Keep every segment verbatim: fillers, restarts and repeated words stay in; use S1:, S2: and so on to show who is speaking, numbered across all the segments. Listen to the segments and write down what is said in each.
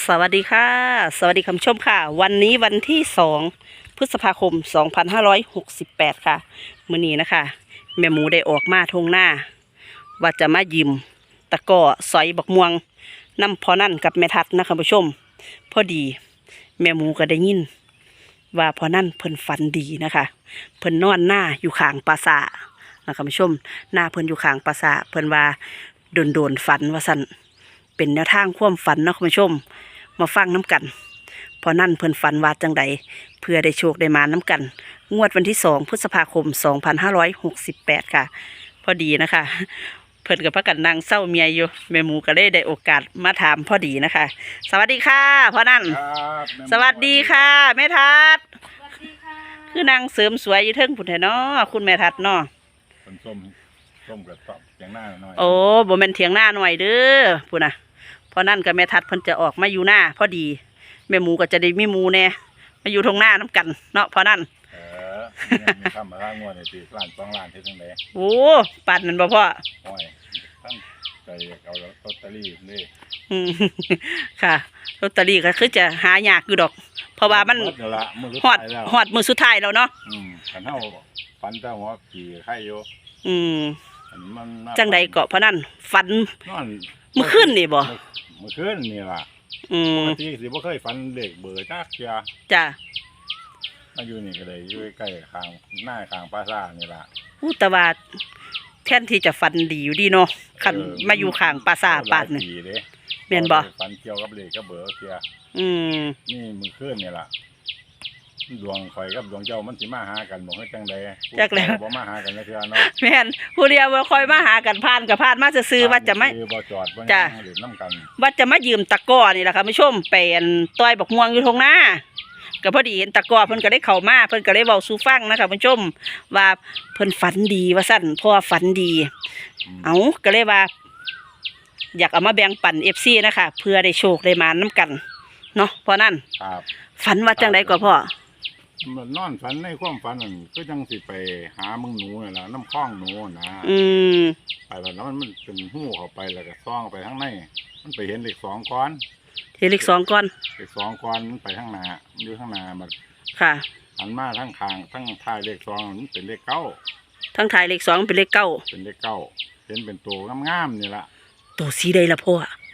S1: สวัสดีค่ะสวัสดีคุณผู้ชมค่ะวันนี้วันที่สองพฤษภาคมสองพันห้าร้อยหกสิบแปดค่ะมื้อนี้นะคะแม่หมูได้ออกมาทงหน้าว่าจะมายิมตะก้อสอยบักม่วงน้ำพอนั่นกับแม่ทัดนะคุณผู้ชมพอดีแม่หมูก็ได้ยินว่าพอนั่นเพิ่นฝันดีนะคะเพิ่นนอนหน้าอยู่ข้างปราสาทนะคุณผู้ชมหน้าเพิ่นอยู่ข้างปราสาทเพิ่นว่าโดนโดนฝันว่าสั่นเป็นแนวทางความฝันนะคุณผู้ชมมาฟังน้ำกันพอนั่นเพิ่นฝันว่าจังใดเพื่อได้โชคได้มาน้ำกันงวดวันที่สองพฤษภาคมสองพันห้าร้อยหกสิบแปดค่ะพอดีนะคะเพิ่นกับพระกันนางเศร้าเมียอยู่แม่หมูก็ได้ได้โอกาสมาถามพอดีนะคะสวัสดีค่ะพ่อนั่นสวัสดีค่ะแม่ทัดคือนางเสริมสวยอยู่เทิงผุนแท้เนาะคุณแม่ทัดเนาะ
S2: คนส้มส้มกับตอบเถียงหน้าหน่อย
S1: โอ้บ่แม่นเถียงหน้าหน่อยเด้อพุ่นน่ะพอนั่นกับแม่ทัดเพิ่นจะออกมาอยู่หน้าพอดีแม่หมูก็จะได้มีหมูแน่มาอยู่ตรงหน้าน้ำกันเนาะพอนั่น
S2: เออมีคำมาล่างงวดในปีล้านสองล้านที่ตรงไหน
S1: โอ้ปั่นมันบ่พ่อ
S2: โอ้ยตั้งใจเอาลอตเตอรี่นี่
S1: อืมค่ะลอตเตอรี่ก็คือจะหายากอยู่ดอกเพราะว่ามันฮอดฮอดมือสุดท้ายแล้วเนาะ
S2: อืมขันเท่าฟันเจ้าหัวขี่ไข่โย
S1: อืมจังใดเกาะพอนั่นฟันเมื่อคืนนี่บ่
S2: เมื่อคืนนี่ล่ะปกติสิบ่เคยฝันเด็กเบื่อจักเทีย
S1: จ้ะ
S2: มาอยู่นี่ก็เลยอยู่ใกล้ข้างหน้าข้างปราสาทนี่ล่ะ
S1: อู้แต่ว่าแทนที่จะฝันดีอยู่ดีเนาะคันมาอยู่ข้างปราสาทปาดนี่แม่นบ่
S2: ฝันเกี่ยวกับเด็กกับเบื่อเทีย
S1: อืม
S2: นี่เมื่อคืนนี่ล่ะดวงข่อยกับดวงเจ้ามันสิมาหากันบ่ให้จังใด
S1: จักแล้ว
S2: บ่มาหากันเทื่อเนาะ
S1: แม่นผู้เดียวบ่ค่อยมาหากันผ่านกับผ่านมาซื่อๆว่าจะไม่
S2: บ่จอดบ่
S1: จ้ะ
S2: เล่นน้ำกัน
S1: ว่าจะมายืมตะก้อนี่แหละค่ะผู้ชมเป็นต้อยบักม่วงอยู่ตรงหน้าก็พอดีเห็นตะก้อเพิ่นก็ได้เข้ามาเพิ่นก็ได้เว้าสู่ฟังนะคะผู้ชมว่าเพิ่นฝันดีว่าซั่นเพราะว่าฝันดีเอ้าก็เลยว่าอยากเอามาแบ่งปัน เอฟ ซี นะคะเพื่อได้โชคได้มานํกันเนาะเพราะนั้น
S2: ครับ
S1: ฝันว่าจังได๋ก็พ่อ
S2: มันนอนฝันในความฝันนั่นก็จังสิไปหามึงหนูนี่ล่ะน้ำคลองหนูนะ
S1: อืม
S2: ไปแล้วมันมันเป็นหู้เข้าไปแล้วก็ซ่องไปข้างในมันไปเห็นเลขสองก้อน
S1: เห็นเลขสองก้อน
S2: เลขสองก้อนมันไปข้างหน้ามันอยู่ข้างหน้ามัน
S1: ค่ะ
S2: หันมาทั้งข้างทั้งท้ายเลขสองมันเป็นเลขเก้า
S1: ทั้งท้ายเลขสองเป็นเลขเก้า
S2: เป็นเลขเก้าเห็นเป็นตัวงามๆนี่ล่ะ
S1: ตัวสีใดล่ะพ่อ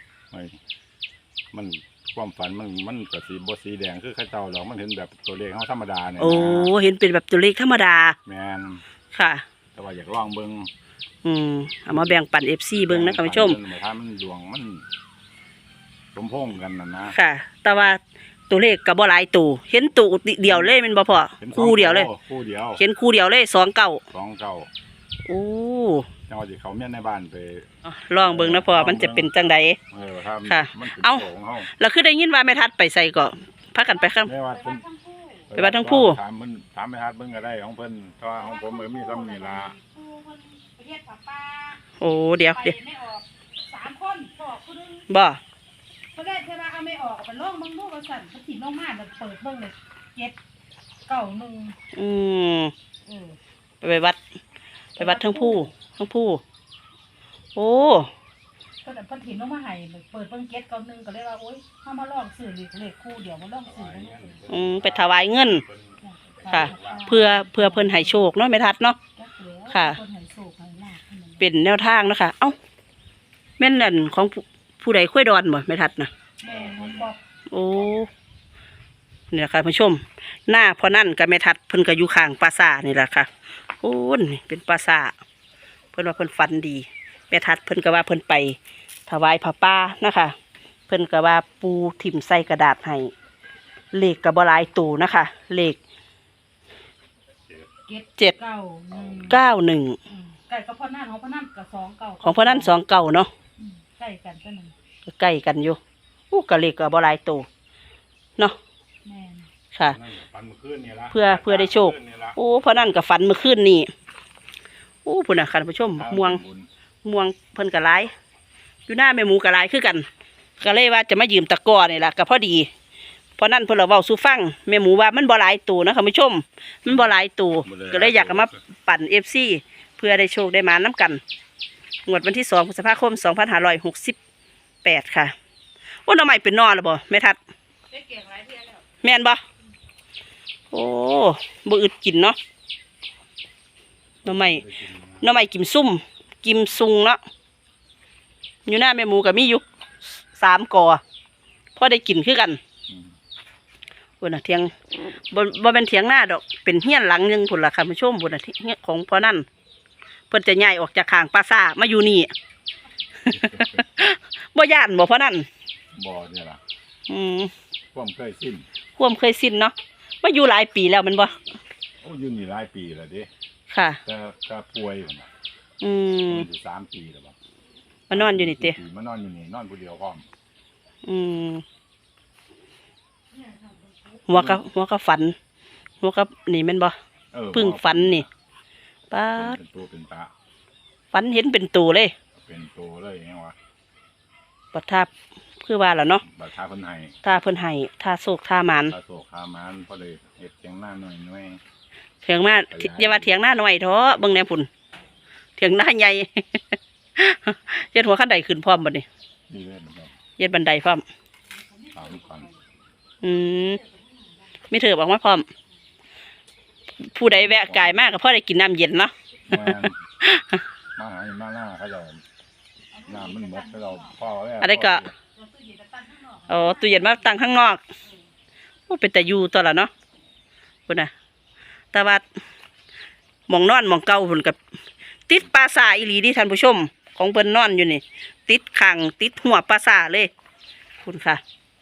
S2: มันความฝันมันมันกับสีบสีแดงคือข้าเจ้าหรอกมันเห็นแบบตัวเลขเขาธรรมดาเนี่ย
S1: โอ้เห็นเป็นแบบตัวเลขธรรมดา
S2: แมน
S1: ค่ะ
S2: แต่ว่าอยากลองเบิ้ง
S1: อืมเอามาแบ่งปันเอฟซีเบิ้งนะคุณผู้ชม
S2: ถ้ามันดวงมันสมพงกันนะนะ
S1: ค่ะแต่ว่าตัวเลขกับบ่หลายตัวเห็นตัวเดียวเลยมันบ่พอคู่เดียวเลย
S2: คู่เดียว
S1: เห็นคู่เดียวเลยสองเก้า
S2: สองเก้า
S1: โอ้
S2: จังหวะที่เขาเมียนในบ้านไป
S1: ลองเบิ้งนะพ่อมันจะเป็นจังใดค่ะเอาเราคือได้ยินว่าแม่ทัดไปใส่ก็พักกันไปครับไปวัดทั้งผู้
S2: ถามมันถามแม่ทัดเบิ้งก็ได้ของเพิ่นเพราะของผมเออมีซ้ำนี่ละ
S1: โอ้เดี๋ยวเดี๋ยว
S3: สามคน
S1: บ่
S3: เขาได้เทว่าเอาไม่ออกไปล่องมึงลูกกระสันเขาถิ่นล่องมาแบบเปิดเบิ้งเลยเจ็ดเก้าหนึ่ง
S1: อืมไปวัดไปวัดทั้งผู้ทั้งผู้โอ้
S3: ก็แต่พันถิ่นล่องมาให้เปิดเบิ้งเจ็ดเก้าหนึ่งก็เลยว่าโอ๊ยเข้ามาล่องสื่อเลขเลขคู่เดี๋ยวมาล่องสื่อ
S1: อืมไปถวายเงินค่ะเพื่อเพื่อเพิ่นให้โชคเนาะไม่ทัดเนาะค่ะเป็นแนวทางนะคะเอ้าแม่นนั่นของผู้ใดค่อยดอนบ่ไม่ทัดนะโอ้นี่แหละค่ะผู้ชมหน้าพอนั่นกับไม่ทัดเพิ่นก็อยู่ข้างปราสาทนี่แหละค่ะโอ้นี่เป็นปราสาทเพิ่นว่าเพิ่นฝันดีแม่ทัดเพิ่นก็ว่าเพิ่นไปถวายผ้าป่านะคะเพิ่นก็ว่าปูถิ่มใส่กระดาษให้เลขก็บ่หลายตัวนะคะเลขเจ็ดเก้าหนึ่ง
S3: ใกล้กับพ่อนั่นของพ่อนั่นกับสองเก้า
S1: ของพ่อนั่นสองเก้าเนาะ
S3: ใกล้กันก็หนึ่ง
S1: ใกล้กันอยู่อู้กะเลขก็บ่หลายตัวเนาะค่ะเพื่อเพื่อได้โชคโอ้พ่อนั่นกับฝันเมื่อคืนนี่โอ้พุ่นน่ะค่ะผู้ชมม่วงม่วงเพิ่นกะหลายอยู่หน้าแม่หมูกะหลายคือกันก็เลยว่าจะมายืมตะก้อนี่ล่ะก็พอดีเพราะนั่นเพิ่นเราเว้าสู่ฟังแม่หมูว่ามันบ่หลายตัวนะค่ะผู้ชมมันบ่หลายตัวก็เลยอยากเอามาปั่น เอฟ ซี เพื่อได้โชคได้มานํกันงวดวันที่สองพฤษภาคมสองพันห้าร้อยหกสิบแปดค่ะโอ้หน่อไม้เป็นนอแล้วบ่แม่ทัด
S3: ได้เก่งหลายเที่ยแล้ว
S1: แม่นบ่โอ้บ่อึดกินเนาะหน่อไม้หน่อไม้กิมซุ่มกิมซุงเนาะอยู่หน้าแม่หมูก็มีอยู่สามกอพอได้กินคือกัน
S2: อืม
S1: พุ่นน่ะเถียงบ่บ่เป็นเถียงหน้าดอกเป็นเฮียนหลังหนึงพุ่นล่ะค่ะผู้ชมพุ่นน่ะที่เฮียนของพ่อนั่นเพิ่นจะย้ายออกจากข้างปราสาทมาอยู่นี่ บ่ย่านบ่พ่อนั่น
S2: บ่เนี่ยล่ะ
S1: อืม
S2: ความเคยสิ้น
S1: ความเคยสิ้นเนาะมาอยู่หลายปีแล้วแมันบ่
S2: โอ้อยู่นี่หลายปีแล้วเด้
S1: ค่ะ
S2: แต่ก็ป่วยอยู่น่ะ
S1: อืม
S2: อยู่สามปีแล้วบ่
S1: มานอนอยู่นี่เตะ
S2: สี่ปีมานอนอยู่นี่นอนผู้เดียวพร้อม
S1: อืมหัวก็หัวก็ฝัน หัวก็นี่แม่นบ่
S2: เออ
S1: เพึ่งฝันนี่ป้าด
S2: เป็นตัวเป็นตา
S1: ฝันเห็นเป็นตัวเลย
S2: เป็นตัวเลยไงวะ
S1: ปัทับคือว่าล่ะเนาะ
S2: บัตรทาคนไทย
S1: ถ้าเพิ่นให้ถ้าโศกถ้าหมัน
S2: ตาโศกขามานพอเลยเห็ดเจียงหน้าหน่อยหน่อย
S1: เถียงมาอย่าว่าเถียงหน้าหน่อยเถอะเบิ่งแนวพุ่นเถียงหน้าใหญ่ เฮ็ดหัวคันใดขึ้นพร้อมบ่นี่
S2: นี่เลยแบบ
S1: เฮ็ดบันไดพร้อม
S2: ถามก่อน
S1: อืมมีเถือบอกมาพร้อม ผู้ใดแวะกายมากก็พอได้กินน้ำเย็นเนาะ
S2: แม่นมาหามาหน้าเขาจะน้ำมันหมดเขาเราพ่อแล้ว
S1: อะไรก็อ๋อตู้เย็นมาตั้งข้างนอกโอ้เป็นแต่อยู่ตัวละเนาะพุ่นน่ะแต่ว่าหมองนอนหมองเก่าพุ่นกับติดปราสาทอีหลีที่ท่านผู้ชม ของเพิ่นนอนอยู่นี่ ติดขังติดหัวปราสาทเลยคุณค่ะ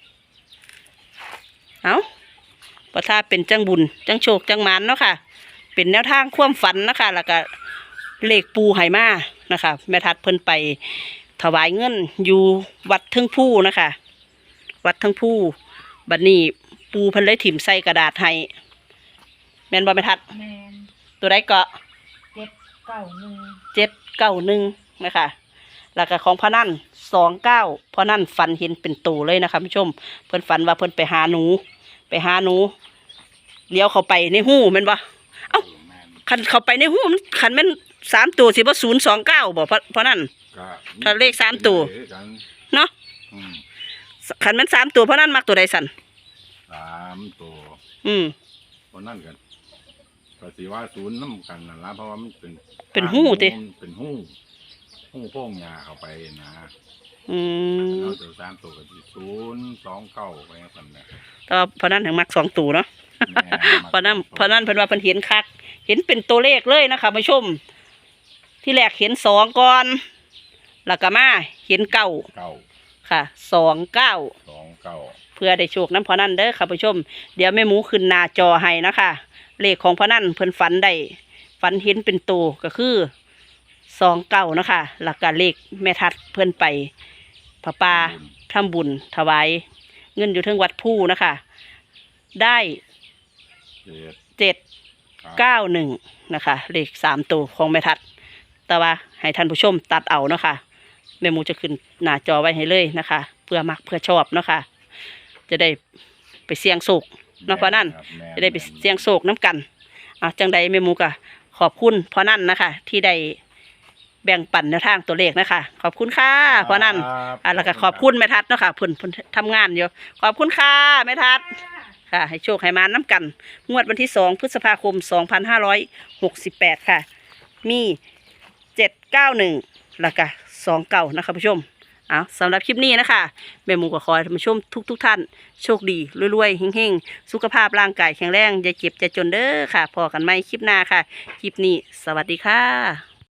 S1: เอาประทาเป็นจังบุญจังโชคจังหมานเนาะค่ะ เป็นแนวทางความฝันนะคะแล้วก็เลขปูไหมานะคะแม่ทัดเพิ่นไปถวายเงินอยู่วัดเทิงผู้นะคะ วัดเทิงผู้บัดนี้ปูเพิ่นเลยถิ่มใส่กระดาษให้แม่นบ่แม่ทัด
S3: แมน
S1: ตัวใดก็
S3: เจ็ดเก้าหนึ่ง
S1: เจ็ดเก้าหนึ่งนะคะแล้วก็ของพ่อนั่นสองเก้าพ่อนั่นฝันเห็นเป็นตูเลยนะคะผู้ชมเพิ่นฝันว่าเพิ่นไปหาหนู ไปหาหนูเลี้ยวเข้าไปในหูแม่นบ่เอ้า
S2: แม่น
S1: คันเข้าไปในหูมันคันแม่นสามตัวสิบ่ศูนย์สองเก้าบ่เพราะเพราะนั่น
S2: ก็
S1: ถ้าเลขสามตัว
S2: เลขกัน
S1: เนาะ
S2: อืม
S1: คันแม่นสามตัวเพราะนั่นมักตัวใดสั่น
S2: สามตัว
S1: อืม
S2: คนนั่นกันก็สิว่าศูนย์น้ำกันนั่นละเพราะว่ามันเป็น
S1: เป็นหู้ติ
S2: เป็นหู้หู้โพ่งยาเข้าไปนะ
S1: อืม
S2: เราจะสามตัวกับศูนย์สองเก้าไปกันเนี่ย
S1: แต่ว่าเพราะนั่นถึงมักสองตัวเนาะ
S2: แม่
S1: เพราะนั่นเพราะนั่นเพิ่นว่าเพิ่นเห็นคัก เห็นเป็นตัวเลขเลยนะคะผู้ชม ที่แรกเห็นสองก่อนแล้วก็มาเห็นเก้า
S2: เก้า
S1: ค่ะสองเก้า
S2: สองเก้า
S1: เพื่อได้โชคน้ำพอนั่นเด้อค่ะผู้ชม เดี๋ยวแม่หมูขึ้นหน้าจอให้นะคะเลขของพอนั่นเพิ่นฝันได้ฝันเห็นเป็นตัวก็คือสองเก้านะคะหลักการเลขแม่ทัดเพิ่นไปพระป่าทำบุญถวายเงินอยู่เทิงวัดผู้นะคะ ได้
S2: เจ็ด
S1: เจ็ดเก้าหนึ่งนะคะ เลขสามตัวของแม่ทัด แต่ว่าให้ท่านผู้ชมตัดเอาเนาะค่ะแม่หมูจะขึ้นหน้าจอไว้ให้เลยนะคะ เพื่อมักเพื่อชอบเนาะค่ะ จะได้ไปเสี่ยงโศกเนาะเพราะนั่น
S2: ครับแม่
S1: จะได้ไปเสี่ยงโศกน้ำกันอ่ะจังใดแม่หมูก็ขอบคุณเพราะนั่นนะคะ ที่ได้แบ่งปันแนวทางตัวเลขนะคะ ขอบคุณค่ะเพราะนั่น
S2: ครับ
S1: อ่ะแล้วก็ขอบคุณแม่ทัดเนาะค่ะเพิ่นเพิ่นทำงานอยู่ขอบคุณค่ะแม่ทัดค่ะ ให้โชคให้มาน้ำกัน งวดวันที่สองพฤษภาคมสองพันห้าร้อยหกสิบแปดค่ะ มีเจ็ดเก้าหนึ่งแล้วก็สองเก้านะคะผู้ชมเอาสำหรับคลิปนี้นะคะแม่หมูก็ขอให้ท่านผู้ชมทุกทุกๆท่านโชคดีรวยๆเฮงๆ สุขภาพร่างกายแข็งแรงอย่าเจ็บอย่าจนเด้อค่ะพอกันไหมคลิปหน้าค่ะ คลิปนี้สวัสดีค่ะ